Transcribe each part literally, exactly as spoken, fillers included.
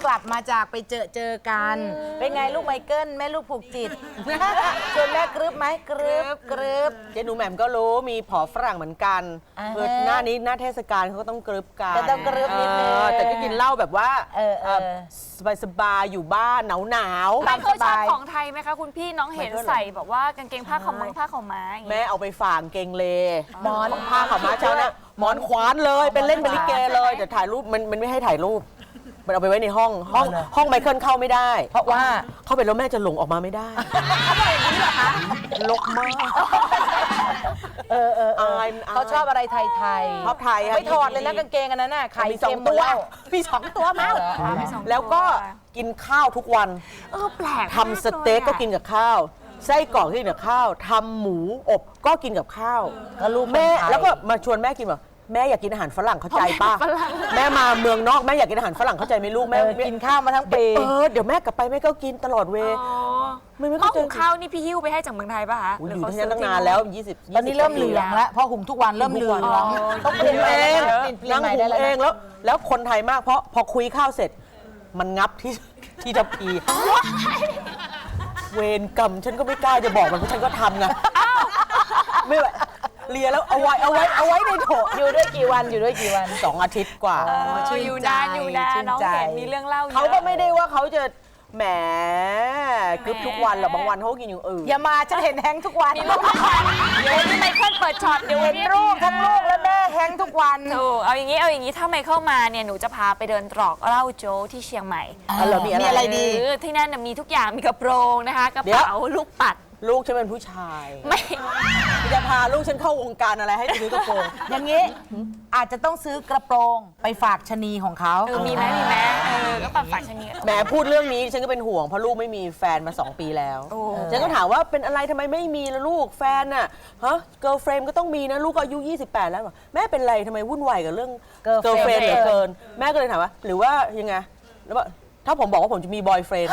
ลับมาจากไปเจอเจอกันเป็นไงลูกไมเคิลแม่ลูกผูกจิตชวนแม่กรึบไหมกรึบกรึบเจ๊หนูแหม่มก็รู้มีผอฝรั่งเหมือนกันเกิดหน้านี้หน้าเทศกาลเขาก็ต้องกรึบกันจะต้องกรึบนิดนึงแต่ก็กินเหล้าแบบว่าสบายสบายอยู่บ้านหนาวหนาวไม่เคยชอบของไทยไหมคะคุณพี่น้องเห็นใส่แบบว่ากางเกงผ้าขาวม้าผ้าขาวม้าแม่เอาไปฝากเกงเลหมอนผ้าขาวม้าเจ้าเนี่ยหมอนขวานเลยเป็นเล่นเป็นลิเกเลยแต่ถ่ายรูปมันมันไม่ให้ถ่ายรูปมันเอาไปไว้ในห้องห้องห้องไมเคิลเข้าไม่ได้เพราะว่าเข้าไปแล้วแม่จะหลงออกมาไม่ได้เขาบอกอย่างนี้เหรอคะลกมากเออเออเขาชอบอะไรไทยไทยชอบไทยไม่ถอดเลยนะกางเกงอันนั้นน่ะไข่มีสองตัวมีสองตัวมั้งแล้วก็กินข้าวทุกวันเออแปลกทำสเต็กก็กินกับข้าวไส้กรอกก็กินกับข้าวทำหมูอบก็กินกับข้าวแม่แล้วก็มาชวนแม่กินแบบแม่อยากกินอาหารฝรั่งเข้าใจป่ะแม่มาเมืองนอกแม่อยากกินอาหารฝรั่งเข้าใจไหมลูกแม่กินข้าวมาทั้งปีเออเดี๋ยวแม่กลับไปแม่ก็กินตลอดเวไม่ไม่เข้าใจข้าวนี่พี่หิ้วไปให้จากเมืองไทยป่ะคะอยู่ที่นั่นตั้งนานแล้วยี่สิบตอนนี้เริ่มเหลืองแล้วพอหุงทุกวันเริ่มเหลืองต้องหุงเองนั่งหุงเองแล้วแล้วคนไทยมากเพราะพอคุยข้าวเสร็จมันงับที่ที่ทัพพีเวรกรรมฉันก็ไม่กล้าจะบอกมันเพราะฉันก็ทำไงไม่ไหวเลียแล้วเอาไว้เอาไว้เอาไว้ในโถอยู่ด้วยกี่วันอยู่ด้วยกี่วันสองอาทิตย์กว่าอยู่นานอยู่นานน้องเห็นมีเรื่องเล่าเขาก็ไม่ได้ว่าเขาจะแหมกึบทุกวันหรอกบางวันเขากินอย่างอื่นอย่ามาฉันเห็นแฮงทุกวันมีลูกทุกวันเดี๋ยวนี้ไมเคิลเปิดช็อตเดี๋ยวเห็นลูกทั้งลูกและแม่แฮงทุกวันถูกเอาอย่างนี้เอาอย่างนี้ถ้าไมเคิลมาเนี่ยหนูจะพาไปเดินตรอกเหล้าโจ๊ที่เชียงใหม่มีอะไรดีที่นั่นมีทุกอย่างมีกระโปรงนะคะกระเป๋าลูกปัดลูกฉันเป็นผู้ชายไม่จะพาลูกฉันเข้าวงการอะไรให้ซื้อกระโปรงอย่างนี้อาจจะต้องซื้อกระโปรงไปฝากชะนีของเขามีไหมมีไหมเออก็ฝากฝากชะนีแหมพูดเรื่องนี้ฉันก็เป็นห่วงเพราะลูกไม่มีแฟนมาสองปีแล้วฉันก็ถามว่าเป็นอะไรทำไมไม่มีล่ะลูกแฟนน่ะฮะเกิร์ลเฟรมก็ต้องมีนะลูกก็อายุยี่สิบแปดแล้วแม่เป็นไรทำไมวุ่นวายกับเรื่องเกิร์ลเฟรมเหลือเกินแม่ก็เลยถามว่าหรือว่ายังไงแล้วว่าถ้าผมบอกว่าผมจะมีบอยเฟรนด์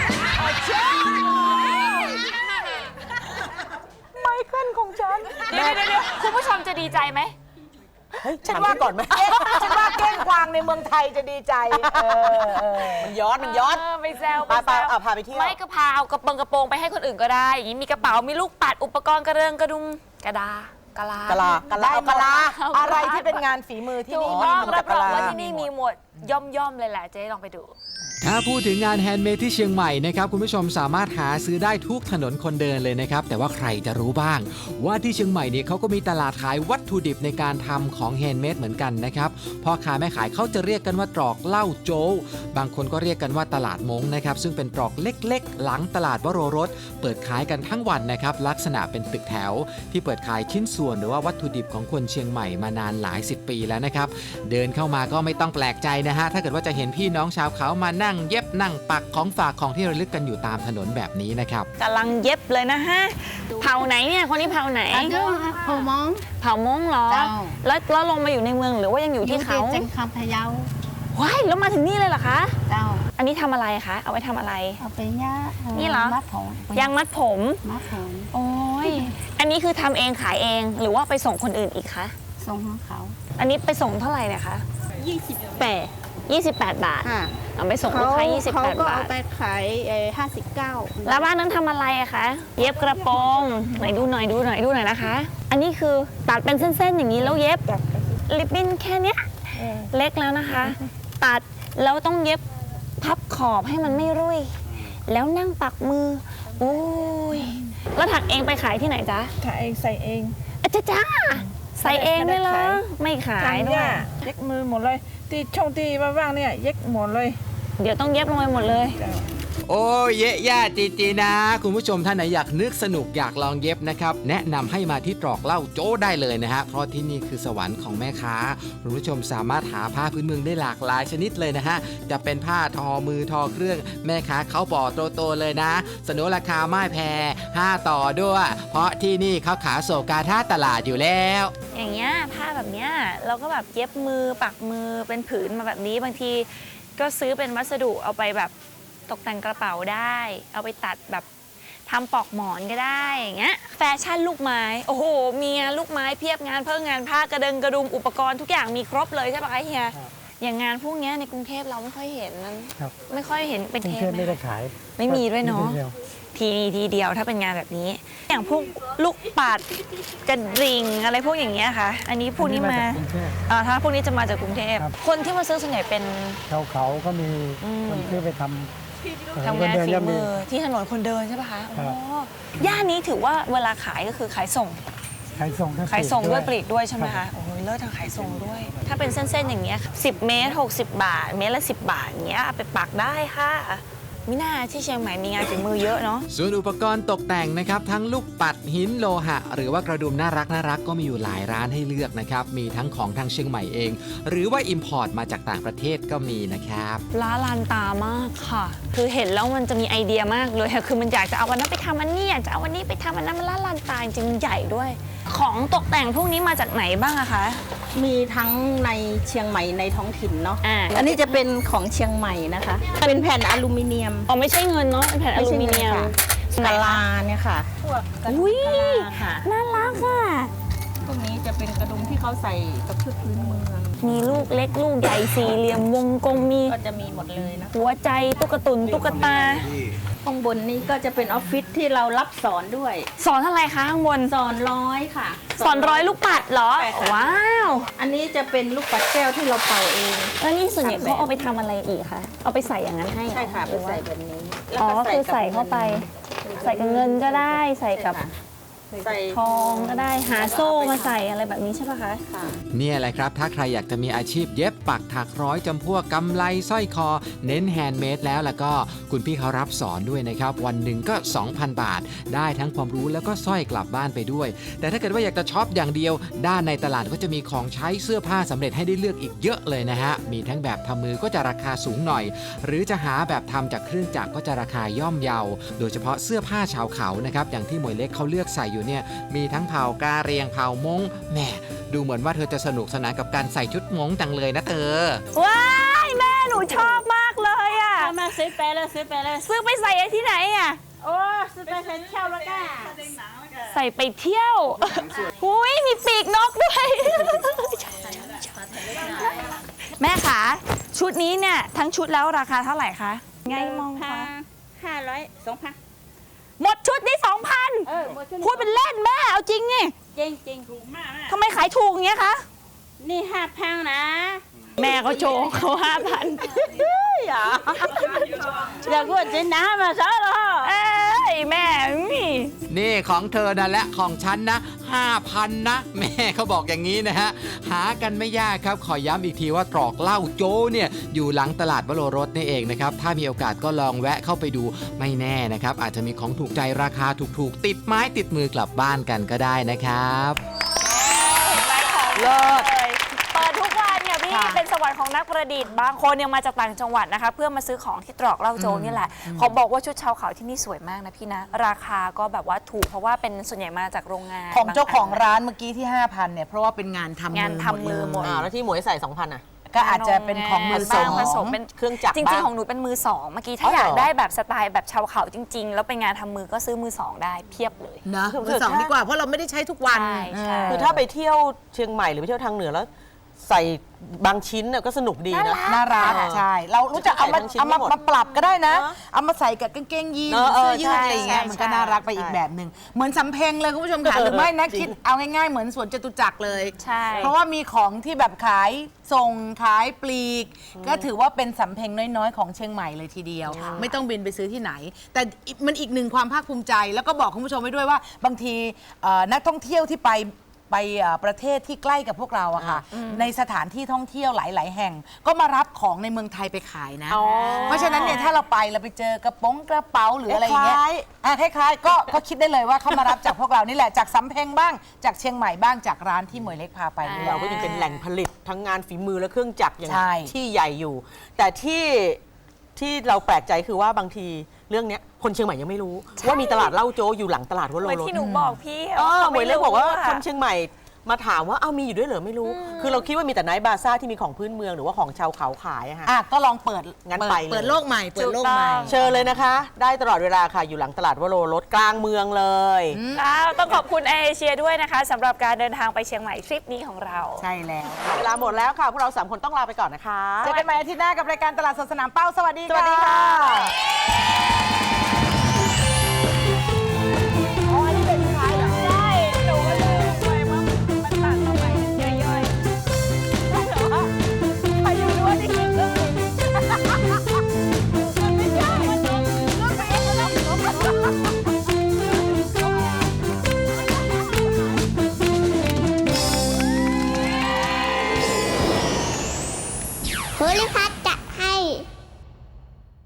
ไมเคิลของฉันเดี๋ยวเดี๋ยวคุณผู้ชมจะดีใจไหมฉันว่าก่อนไหมฉันว่าเก้งกวางในเมืองไทยจะดีใจมันย้อนมันย้อนไปแซวไปไปพาไปเที่ยวไม่ก็พาเอากระโปรงกระโปรงไปให้คนอื่นก็ได้อย่างนี้มีกระเป๋ามีลูกปัดอุปกรณ์กระเริงกระดุมกระดากะลากะลากะลากะลาอะไรที่เป็นงานฝีมือที่นี่มีรับรองว่าที่นี่มีหมดย่อมย่อมเลยแหละเจ๊ลองไปดูถ้าพูดถึงงานแฮนด์เมดที่เชียงใหม่นะครับคุณผู้ชมสามารถหาซื้อได้ทุกถนนคนเดินเลยนะครับแต่ว่าใครจะรู้บ้างว่าที่เชียงใหม่เนี่ยเขาก็มีตลาดขายวัตถุดิบในการทำของแฮนด์เมดเหมือนกันนะครับพ่อค้าแม่ขายเขาจะเรียกกันว่าตรอกเหล้าโจ๊บางคนก็เรียกกันว่าตลาดมงนะครับซึ่งเป็นตรอกเล็กๆหลังตลาดวโรรสเปิดขายกันทั้งวันนะครับลักษณะเป็นตึกแถวที่เปิดขายชิ้นส่วนหรือว่าวัตถุดิบของคนเชียงใหม่มานานหลายสิบปีแล้วนะครับเดินเข้ามาก็ไม่ต้องแปลกใจนะฮะถ้าเกิดว่าจะเห็นพี่น้องชาวเขามานั่งเย็บนั่งปักของฝากของที่ระลึกกันอยู่ตามถนนแบบนี้นะครับกำลังเย็บเลยนะฮะเผาไหนเนี่ยคนนี้เผาไหนเผามงเผามงเหรอแล้วแล้วลงมาอยู่ในเมืองหรือว่ายังอยู่ที่เขาจังคำพะเยาว้ายแล้วมาถึงนี่เลยเหรอคะเจ้าอันนี้ทำอะไรคะเอาไว้ทำอะไรเอาไปย่านี่เหรอมัดผมยางมัดผมมัดผมโอ้ยอันนี้คือทำเองขายเองหรือว่าไปส่งคนอื่นอีกคะส่งของเขาอันนี้ไปส่งเท่าไหร่นะคะยี่สิบแปดยี่สิบแปดบาทเอาไปส่งลูกค้ายี่สิบแปดบาทเขาก็เอาไปขายห้าสิบเก้าแล้วบ้านนั้นทำอะไรอะคะเย็บกระโปรงไหนดูหน่อยดูหน่อยดูหน่อยนะคะอันนี้คือตัดเป็นเส้นๆอย่างนี้แล้วเย็บริบบิ้นแค่เนี้ยเล็กแล้วนะคะตัดแล้วต้องเย็บพับขอบให้มันไม่รุ่ยแล้วนั่งปักมือโอ้ยแล้วถักเองไปขายที่ไหนจ๊ะขายเองใส่เองอาจ้าจ้าใส่เองเลยเหรอไม่ขายด้วยเย็บมือหมดเลยที่ช่องที่ว่างๆเนี่ยเย็บหมดเลยเดี๋ยวต้องเย็บลงไปหมดเลยโอ้เยะย่าจีจีนะคุณผู้ชมท่านไหนอยากนึกสนุกอยากลองเย็บนะครับแนะนำให้มาที่ตรอกเหล้าโจ้ได้เลยนะฮะเพราะที่นี่คือสวรรค์ของแม่ค้าคุณผู้ชมสามารถหาผ้าพื้นเมืองได้หลากหลายชนิดเลยนะฮะจะเป็นผ้าทอมือทอเครื่องแม่ค้าเขาบอกโตๆเลยนะเสนอราคาไม่แพงห้าต่อด้วยเพราะที่นี่เขาขายโศกาท่าตลาดอยู่แล้วอย่างเงี้ยผ้าแบบเนี้ยเราก็แบบเย็บมือปักมือเป็นผืนมาแบบนี้บางทีก็ซื้อเป็นวัสดุเอาไปแบบตกแต่งกระเป๋าได้เอาไปตัดแบบทำปลอกหมอนก็ได้อย่างเงี้ยแฟชั่นลูกไม้โอ้โหมีงานลูกไม้เพียบงานเพิ่มงานผ้ากระเดงกระดุมอุปกรณ์ทุกอย่างมีครบเลยใช่ปะคะเฮียอย่างงานพวกเนี้ยในกรุงเทพเราไม่ค่อยเห็นนั้นครับไม่ค่อยเห็นเป็นกรุเทงปเทพไหมไม่ได้คะขายไม่มีด้วยเนาะมีดีวทีทีเดียวถ้าเป็นงานแบบนี้ อย่างพวกลูกปัดกระดิ่งอะไรพวกอย่างเงี้ยค่ะ อันนี้พวกนี้มาอันนี้มาจากกรุงเทพอ่าถ้าพวกนี้จะมาจากกรุงเทพครับคนที่มาซื้อส่วนใหญ่เป็นชาวเขาก็มีอืมคนซื้อไปทำทำงานคเดิฝีก็มือที่ถนนคนเดินใช่ปะคะครัอ๋บอย่านนี้ถือว่าเวลาขายก็คือขายส่งขายส่งขายส่งด้วยปลีกด้วยใช่ไหมครัคะบโอ้โหเลิศทางขายส่งด้วย ถ้าเป็นเส้นๆอย่างเงี้ยสิบเมตรหกสิบบาท เมตรละสิบบาทอย่างเงี้ยเอาไปปักได้ค่ะมิน่าที่เชียงใหม่มีงานฝีมือเยอะเนาะส่วนอุปกรณ์ตกแต่งนะครับทั้งลูกปัดหินโลหะ หรือว่ากระดุมน่ารักน่ารักก็มีอยู่หลายร้านให้เลือกนะครับมีทั้งของทางเชียงใหม่เอง หรือว่าอิมพอร์ตมาจากต่างประเทศก็มีนะครับล้าลานตามากค่ะ คือเห็นแล้วมันจะมีไอเดียมากเลยค่ะคือมันอยากจะเอาวันนั้นไปทำอันนี้อยากจะเอาวันนี้ไปทำอันนั้นมันล้าลานตาจริงๆมันใหญ่ด้วย ของตกแต่งพวกนี้มาจากไหนบ้างอะคะมีทั้งในเชียงใหม่ในท้องถิ่นเนาะอ่าอันนี้จะเป็นของเชียงใหม่นะคะ เป็นแผ่นอลูมิเนียมอ๋อไม่ใช่เงินเนาะเป็นแผ่นอลูมิเนียมกะลาเนี่ยค่ะพวกกระดุมอุ๊ยกะลาค่ะน่ารักค่ะพวกนี้จะเป็นกระดุมที่เขาใส่กับชุดพื้นเมืองมีลูกเล็กลูกใหญ่สี่เหลี่ยมวงกลมมีก็จะมีหมดเลยนะหัวใจตุ๊กตุนตุ๊กตาข้างบนนี้ก็จะเป็นออฟฟิศที่เรารับสอนด้วยสอนอะไรคะข้างบนสอนร้อยค่ะสอนร้อยลูกปัดเหรอใช่ค่ะว้าวอันนี้จะเป็นลูกปัดแก้วที่เราเป่าเองแล้วนี่ส่วนใหญ่เขาเอาไปทำอะไรอีกคะเอาไปใส่อย่างนั้นให้เหรอใช่ค่ะหไปรือว่าใส่แบบนี้แล้วอ๋อก็คือกับใส่เข้าไป ใส่กับเงินก็ได้ใส่กับใส่ทองก็ได้หาโซ่มาใส่อะไรแบบนี้ใช่ปะคะค่ะเนี่ยแหละครับ ถ้าใครอยากจะมีอาชีพเย็บปักถักร้อยจำพวกกำไลสร้อยคอ เน้นแฮนด์เมดแล้วแล้วก็คุณพี่เขารับสอนด้วยนะครับ วันหนึ่งก็ สองพัน บาท ได้ทั้งความรู้แล้วก็สร้อยกลับบ้านไปด้วย แต่ถ้าเกิดว่าอยากจะช็อปอย่างเดียว ด้านในตลาดก็จะมีของใช้เสื้อผ้าสำเร็จให้ได้เลือกอีกเยอะเลยนะฮะ มีทั้งแบบทำมือก็จะราคาสูงหน่อย หรือจะหาแบบทำจากเครื่องจักรก็จะราคาย่อมเยา โดยเฉพาะเสื้อผ้าชาวเขานะครับอย่างที่หมวยเล็กเขาเลือกใส่อยู่เนี่ยมีทั้งเผ่ากาเรียงเผ่ามงแหมดูเหมือนว่าเธอจะสนุกสนานกับการใส่ชุดมงจังเลยนะเธอว้ายแม่หนูชอบมากเลยอ่ะมาซื้อไปเลยซื้อไปเลยซื้อไปใส่ที่ไหนอ่ะโอ้ซื้อไปใส่เที่ยวแล้วก็ใส่ไปเที่ยวอุ้ยมีปีกนกด้วย แม่คะชุดนี้เนี่ยทั้งชุดแล้วราคาเท่าไหร่คะไงมองคะห้าร้อยสองพันหมดชุดนี้สองพันเออหมดชุดพูดเป็นเล่นแม่เอาจริงไงจริงจริงถูกทำไมขายถูกอย่างเงี้ยคะนี่ห้าพันนะแม่เขาโชว์เขาห้าพันอย่าอย่ากดจินนะมาซะหรอเอ้ยแม่มีนี่ของเธอนะและของฉันนะ ห้าพัน นะ แม่เขาบอกอย่างนี้นะฮะ หากันไม่ยากครับ ขอย้ำอีกทีว่าตรอกเหล้าโจ้เนี่ยอยู่หลังตลาดวโรรสนี่เองนะครับ ถ้ามีโอกาสก็ลองแวะเข้าไปดูไม่แน่นะครับ อาจจะมีของถูกใจราคาถูกๆ ติดไม้ติดมือกลับบ้านกันก็ได้นะครับเลิศเปิดทุกวันเนี่ยพี่เป็นสวรรค์ของนักประดิษฐ์บางคนยังมาจากต่างจังหวัดนะคะเพื่อมาซื้อของที่ตรอกเหล้าโจนี่แหละขอบอกว่าชุดชาวเขาที่นี่สวยมากนะพี่นะ ราคาก็แบบว่าถูกเพราะว่าเป็นส่วนใหญ่มาจากโรงงานของเจ้าของบนร้านเมื่อกี้ที่ ห้าพัน เนี่ยเพราะว่าเป็นงานทำมืองานทำมือหมดอ่าแล้วที่หมวยใส่ สองพัน อ่ะก็อาจจะเป็นของมือสองผสมเป็นเครื่องจักรจริงบ้างๆของหนูเป็นมือสองเมื่อกี้ถ้าอ๋ออเหรอยากได้แบบสไตล์แบบชาวเขาจริง ๆ แล้วเป็นงานทำมือก็ซื้อมือสองได้เพียบเลยเนอะมือสองดีกว่าเพราะเราไม่ได้ใช้ทุกวันใช่ใช่คือถ้าไปเที่ยวเชียงใหม่หรือไปเที่ยวทางเหนือแล้ว ใส่บางชิ้นน่ะก็สนุกดีนะน่ารักเออใช่ เรารู้จักเอามาใส่ทั้งชิ้นเอามาไม่หมดมาปรับก็ได้นะเนอะเอามาใส่กับกางเกงยีนเนอะเสื้อยืดเอออะไรอย่างเงี้ยใช่มันก็ใช่น่ารักไปอีกใช่แบบหนึ่งเหมือนสำเพ็งเลยคุณผู้ชมค่ะเออหรือไม่นะจริงคิดเอาง่ายๆเหมือนสวนจตุจักรเลยใช่เพราะว่ามีของที่แบบขายส่งขายปลีก ก็ถือว่าเป็นสำเพ็งน้อยๆ ของเชียงใหม่เลยทีเดียว ไม่ต้องบินไปซื้อที่ไหน แต่มันอีกหนึ่งความภาคภูมิใจ แล้วก็บอกคุณผู้ชมไว้ด้วยว่าบางทีเอ่อนักท่องเที่ยวที่ไปไปเอ่อประเทศที่ใกล้กับพวกเราอะค่ะ ในสถานที่ท่องเที่ยวหลาย ๆ แห่ง ก็มารับของในเมืองไทยไปขายนะ เพราะฉะนั้นเนี่ยถ้าเราไปเราไปเจอกระโป๋องกระเป๋าหรืออะไรอย่างเงี้ยคล้ายอ่ะคล้ายๆก็ก็คิดได้เลยว่าเขามารับจากพวกเรานี่แหละจากสำเพ็งบ้างจากเชียงใหม่บ้างจากร้านที่หมวยเล็กพาไปนี่แหเราละก็ยังเป็นแหล่งผลิตทั้งงานฝีมือและเครื่องจักรอย่างใช่ที่ใหญ่อยู่ แต่ที่ที่เราแปลกใจคือว่าบางทีเรื่องเนี้ยคนเชียงใหม่ยังไม่รู้ ว่ามีตลาดเหล้าโจอยู่หลังตลาดวโรเหมือนรสที่หนูบอกพี่เออขาหมวยเล็กบอกว่าะคนเชียงใหม่มาถามว่าเอามีอยู่ด้วยเหรอไม่รู้ คือเราคิดว่ามีแต่ไนท์บาซ่าที่มีของพื้นเมืองหรือว่าของชาวเขาขายอะค่ะอ่ะก็ลองเปิดงั้นเปิดไปเลยเปิดโลกใหม่เปิดโลกใหม่เชิญเลยนะคะ ได้ตลอดเวลาค่ะอยู่หลังตลาดวโรรสกลางเมืองเลยอ้าวต้องขอบคุณแอร์เอเชียด้วยนะคะสำหรับการเดินทางไปเชียงใหม่ทริปนี้ของเราใช่แล้วเวลาหมดแล้วค่ะพวกเราสามคนต้องลาไปก่อนนะคะเจอกันใหม่อาทิตย์หน้ากับรายการตลาดสดสนามเป้าสวัสดีสวัสดีค่ะ